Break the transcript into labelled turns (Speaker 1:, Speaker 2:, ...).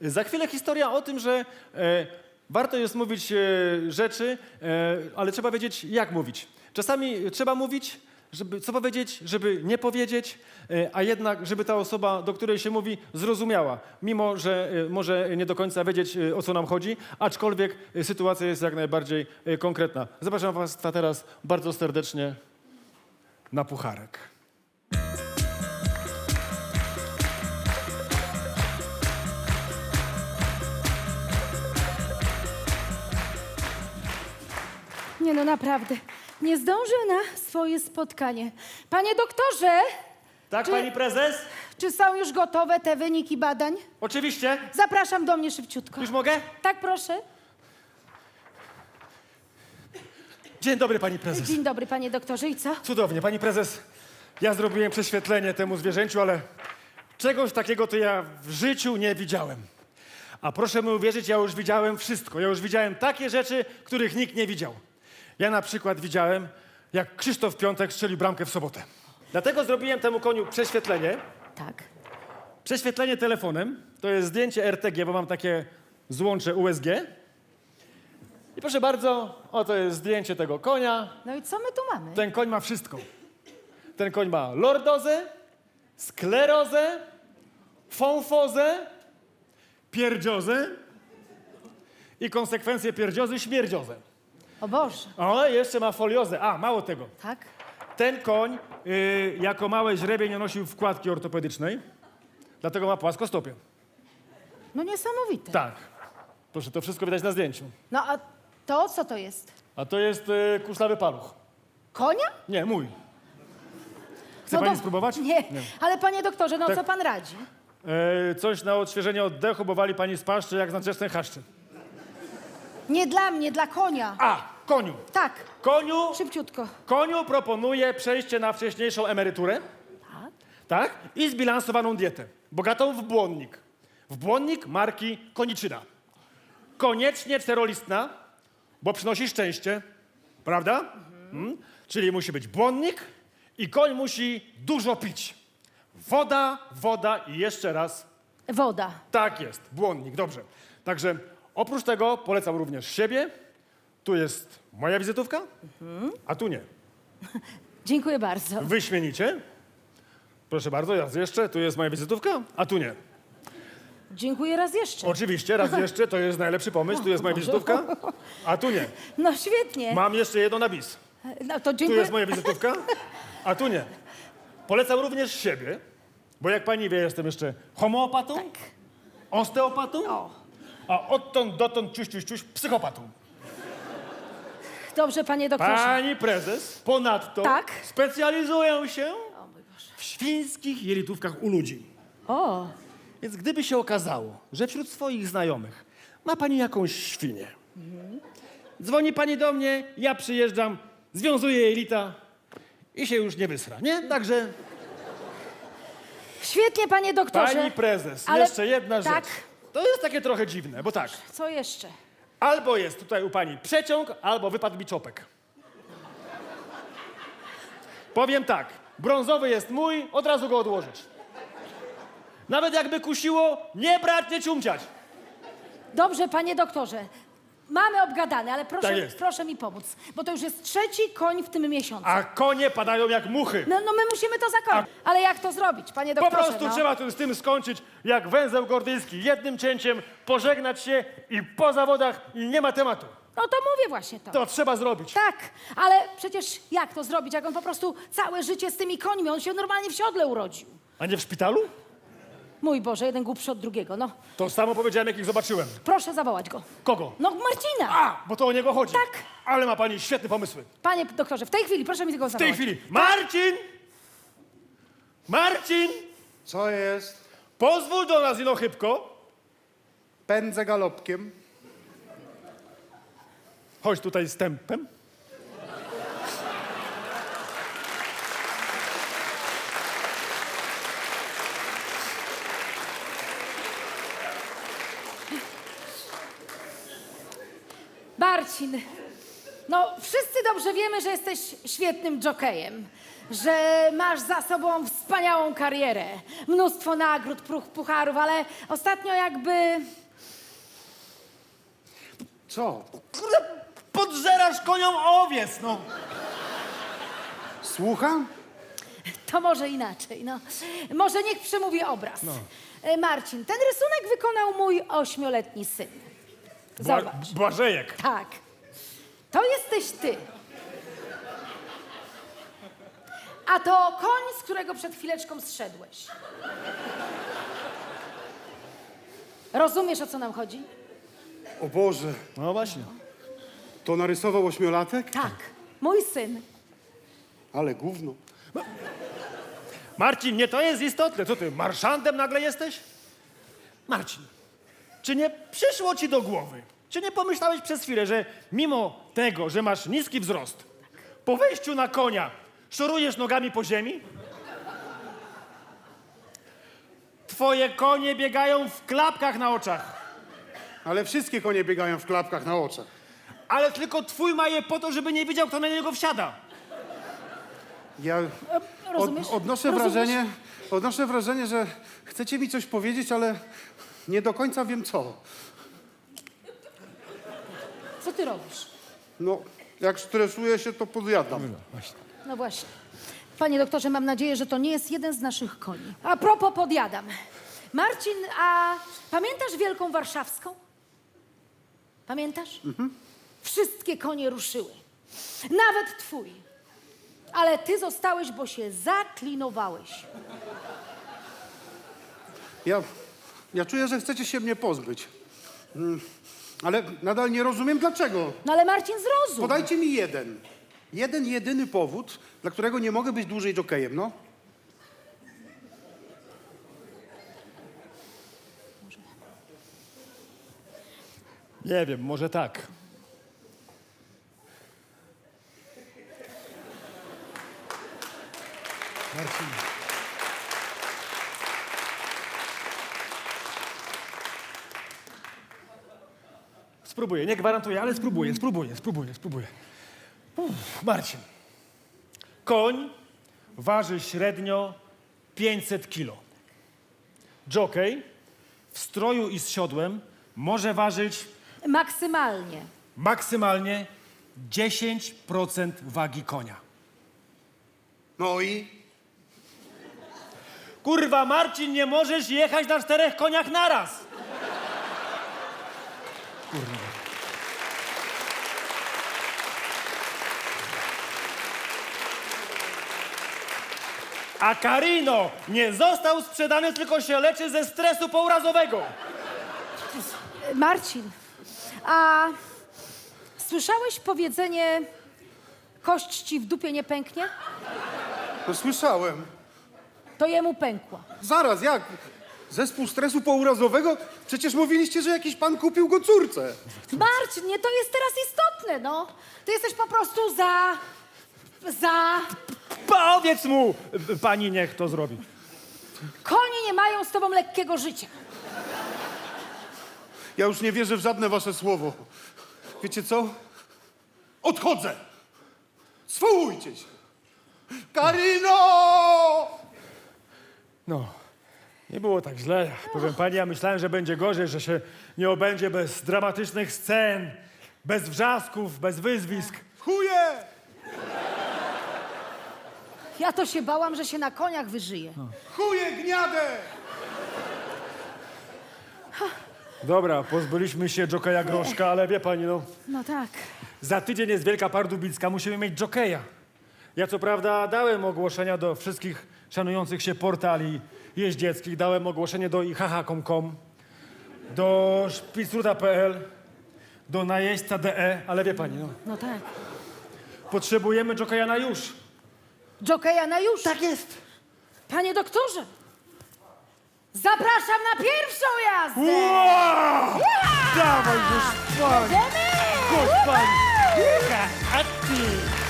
Speaker 1: Za chwilę historia o tym, że warto jest mówić rzeczy, ale trzeba wiedzieć, jak mówić. Czasami trzeba mówić, żeby co powiedzieć, żeby nie powiedzieć, a jednak, żeby ta osoba, do której się mówi, zrozumiała, mimo że może nie do końca wiedzieć, o co nam chodzi, aczkolwiek sytuacja jest jak najbardziej konkretna. Zapraszam was teraz bardzo serdecznie na pucharek.
Speaker 2: Nie no, naprawdę. Nie zdążył na swoje spotkanie. Panie doktorze,
Speaker 1: Tak,
Speaker 2: Czy-
Speaker 1: pani prezes?
Speaker 2: czy są już gotowe te wyniki badań?
Speaker 1: Oczywiście.
Speaker 2: Zapraszam do mnie szybciutko.
Speaker 1: Już mogę?
Speaker 2: Tak, proszę.
Speaker 1: Dzień dobry, pani prezes.
Speaker 2: Dzień dobry, panie doktorze. I co?
Speaker 1: Cudownie, pani prezes. Ja zrobiłem prześwietlenie temu zwierzęciu, ale czegoś takiego to ja w życiu nie widziałem. A proszę mi uwierzyć, ja już widziałem wszystko. Ja już widziałem takie rzeczy, których nikt nie widział. Ja na przykład widziałem, jak Krzysztof Piątek strzelił bramkę w sobotę. Dlatego zrobiłem temu koniu prześwietlenie.
Speaker 2: Tak.
Speaker 1: Prześwietlenie telefonem. To jest zdjęcie RTG, bo mam takie złącze USG. I proszę bardzo, oto jest zdjęcie tego konia.
Speaker 2: No i co my tu mamy?
Speaker 1: Ten koń ma wszystko. Ten koń ma lordozę, sklerozę, fąfozę, pierdziozę i konsekwencje pierdziozy śmierdziozę.
Speaker 2: O Boże.
Speaker 1: O, jeszcze ma foliozę. A, mało tego.
Speaker 2: Tak?
Speaker 1: Ten koń jako małe źrebie nie nosił wkładki ortopedycznej, dlatego ma płaskostopie.
Speaker 2: No niesamowite.
Speaker 1: Tak. Proszę, to wszystko widać na zdjęciu.
Speaker 2: No a to co to jest?
Speaker 1: A to jest kuszlawy paluch.
Speaker 2: Konia?
Speaker 1: Nie, mój. Chce
Speaker 2: No
Speaker 1: pani
Speaker 2: to-
Speaker 1: spróbować?
Speaker 2: Nie. Ale panie doktorze, no
Speaker 1: Tak.
Speaker 2: co pan radzi?
Speaker 1: Coś na odświeżenie oddechu, bo wali pani z paszczy jak z nadczesnej chaszczy.
Speaker 2: Nie dla mnie, dla konia.
Speaker 1: A, koniu.
Speaker 2: Tak.
Speaker 1: Koniu,
Speaker 2: Szybciutko.
Speaker 1: koniu proponuję przejście na wcześniejszą emeryturę.
Speaker 2: Tak.
Speaker 1: Tak? I zbilansowaną dietę. Bogatą w błonnik. W błonnik marki Koniczyna. Koniecznie czterolistna, bo przynosi szczęście. Prawda? Czyli musi być błonnik i koń musi dużo pić. Woda, woda i jeszcze raz.
Speaker 2: Woda.
Speaker 1: Tak jest, błonnik, dobrze. Także oprócz tego polecam również siebie. Tu jest moja wizytówka, a tu nie.
Speaker 2: Dziękuję bardzo.
Speaker 1: Wyśmienicie. Proszę bardzo, raz jeszcze, tu jest moja wizytówka, a tu nie.
Speaker 2: Dziękuję raz jeszcze.
Speaker 1: Oczywiście, raz jeszcze, to jest najlepszy pomysł, tu jest moja wizytówka, a tu nie.
Speaker 2: No świetnie.
Speaker 1: Mam jeszcze jedno na bis.
Speaker 2: No to
Speaker 1: Tu
Speaker 2: dziękuję.
Speaker 1: jest moja wizytówka, a tu nie. Polecam również siebie, bo jak pani wie, jestem jeszcze homeopatą,
Speaker 2: Tak.
Speaker 1: osteopatą,
Speaker 2: O.
Speaker 1: a odtąd dotąd ciuś, psychopatą.
Speaker 2: Dobrze, panie doktorze.
Speaker 1: Pani prezes ponadto
Speaker 2: Tak?
Speaker 1: specjalizuję się
Speaker 2: O mój Boże.
Speaker 1: w świńskich jelitówkach u ludzi.
Speaker 2: O.
Speaker 1: Więc gdyby się okazało, że wśród swoich znajomych ma pani jakąś świnię, dzwoni pani do mnie, ja przyjeżdżam, związuję jelita i się już nie wysra, nie? Także
Speaker 2: Świetnie, panie doktorze.
Speaker 1: pani prezes,
Speaker 2: Ale-
Speaker 1: jeszcze jedna
Speaker 2: tak.
Speaker 1: rzecz. To jest takie trochę dziwne, bo tak,
Speaker 2: Co jeszcze?
Speaker 1: albo jest tutaj u pani przeciąg, albo wypadł mi czopek. Powiem tak, brązowy jest mój, od razu go odłożyć. Nawet jakby kusiło, nie brać, nie ciumciać.
Speaker 2: Dobrze, panie doktorze. Mamy obgadane, ale proszę,
Speaker 1: Tak jest.
Speaker 2: proszę mi pomóc. Bo to już jest trzeci koń w tym miesiącu.
Speaker 1: A konie padają jak muchy.
Speaker 2: No my musimy to zakończyć. Ale jak to zrobić, panie
Speaker 1: Po
Speaker 2: doktorze?
Speaker 1: prostu
Speaker 2: no?
Speaker 1: trzeba z tym skończyć jak węzeł gordyjski. Jednym cięciem pożegnać się i po zawodach i nie ma tematu.
Speaker 2: No to mówię właśnie to.
Speaker 1: To trzeba zrobić.
Speaker 2: Tak, ale przecież jak to zrobić, jak on po prostu całe życie z tymi końmi, on się normalnie w siodle urodził.
Speaker 1: A nie w szpitalu?
Speaker 2: Mój Boże, jeden głupszy od drugiego, no.
Speaker 1: To samo powiedziałem, jak ich zobaczyłem.
Speaker 2: Proszę zawołać go.
Speaker 1: Kogo?
Speaker 2: No Marcina!
Speaker 1: A, bo to o niego chodzi.
Speaker 2: Tak.
Speaker 1: Ale ma pani świetne pomysły.
Speaker 2: Panie doktorze, w tej chwili proszę mi tego
Speaker 1: W
Speaker 2: zawołać.
Speaker 1: tej chwili. Marcin! Marcin!
Speaker 3: Co jest?
Speaker 1: Pozwól do nas ino chybko.
Speaker 3: Pędzę galopkiem.
Speaker 1: Chodź tutaj z tempem.
Speaker 2: Marcin, no wszyscy dobrze wiemy, że jesteś świetnym jokejem. że masz za sobą wspaniałą karierę. Mnóstwo nagród, pucharów, ale ostatnio jakby...
Speaker 3: Co?
Speaker 1: Kurde, podżerasz koniom owiec, no.
Speaker 3: Słucham?
Speaker 2: To może inaczej, no. Może niech przemówi obraz. Marcin, ten rysunek wykonał mój 8-letni syn. Zobacz.
Speaker 1: Błażejek.
Speaker 2: Tak. To jesteś ty. A to koń, z którego przed chwileczką zszedłeś. Rozumiesz, o co nam chodzi?
Speaker 3: O Boże,
Speaker 1: No właśnie.
Speaker 3: to narysował 8-latek?
Speaker 2: Tak. Mój syn.
Speaker 3: Ale gówno.
Speaker 1: Marcin, nie to jest istotne. Co ty, marszantem nagle jesteś? Marcin, czy nie przyszło ci do głowy, czy nie pomyślałeś przez chwilę, że mimo tego, że masz niski wzrost, po wejściu na konia szorujesz nogami po ziemi? Twoje konie biegają w klapkach na oczach,
Speaker 3: Ale wszystkie konie biegają w klapkach na oczach.
Speaker 1: ale tylko twój ma je po to, żeby nie wiedział, kto na niego wsiada.
Speaker 3: Ja
Speaker 2: Rozumiesz?
Speaker 3: odnoszę
Speaker 2: Rozumiesz?
Speaker 3: wrażenie, że chcecie mi coś powiedzieć, ale nie do końca wiem co.
Speaker 2: Co ty robisz?
Speaker 3: No, jak stresuję się, to podjadam.
Speaker 2: No właśnie. Panie doktorze, mam nadzieję, że to nie jest jeden z naszych koni. A propos podjadam. Marcin, a pamiętasz Wielką Warszawską? Pamiętasz? Wszystkie konie ruszyły. Nawet twój. Ale ty zostałeś, bo się zaklinowałeś.
Speaker 3: Ja czuję, że chcecie się mnie pozbyć. Ale nadal nie rozumiem dlaczego.
Speaker 2: No ale Marcin, zrozum.
Speaker 3: Podajcie mi jeden jedyny powód, dla którego nie mogę być dłużej jokejem, no.
Speaker 1: Nie wiem, może tak. Marcin. Spróbuję, nie gwarantuję, ale spróbuję. Marcin. Koń waży średnio 500 kilo. Jockey w stroju i z siodłem może ważyć
Speaker 2: Maksymalnie.
Speaker 1: 10% wagi konia.
Speaker 3: No i?
Speaker 1: Kurwa, Marcin, nie możesz jechać na 4 koniach naraz. Kurwa. A Carino nie został sprzedany, tylko się leczy ze stresu pourazowego.
Speaker 2: Marcin, a słyszałeś powiedzenie kość ci w dupie nie pęknie?
Speaker 3: No słyszałem.
Speaker 2: To jemu pękła.
Speaker 3: Zaraz, jak? Zespół stresu pourazowego? Przecież mówiliście, że jakiś pan kupił go córce.
Speaker 2: Marcin, nie to jest teraz istotne, no. Ty jesteś po prostu za...
Speaker 1: Powiedz mu, pani niech to zrobi.
Speaker 2: Konie nie mają z tobą lekkiego życia.
Speaker 3: Ja już nie wierzę w żadne wasze słowo. Wiecie co? Odchodzę! Swołujcie się! Karino!
Speaker 1: No, nie było tak źle. Powiem pani, ja myślałem, że będzie gorzej, że się nie obędzie bez dramatycznych scen, bez wrzasków, bez wyzwisk.
Speaker 3: Chuje!
Speaker 2: Ja to się bałam, że się na koniach wyżyje.
Speaker 3: Chuje gniadę!
Speaker 1: Dobra, pozbyliśmy się jokeja Groszka, ale wie pani, no,
Speaker 2: No tak.
Speaker 1: za tydzień jest Wielka Pardubicka, musimy mieć jokeja. Ja co prawda dałem ogłoszenia do wszystkich szanujących się portali jeździeckich, dałem ogłoszenie do ihaha.com, do szpicruta.pl, do najeźdźca.de, ale wie pani, no,
Speaker 2: No tak.
Speaker 1: potrzebujemy jokeja na już.
Speaker 2: Jokeja na już.
Speaker 1: Tak jest.
Speaker 2: Panie doktorze, zapraszam na pierwszą jazdę.
Speaker 1: Wow! Dawaj już, pani!
Speaker 2: Jedziemy!
Speaker 1: Chodź, pani!
Speaker 2: Woohoo!
Speaker 1: A ty!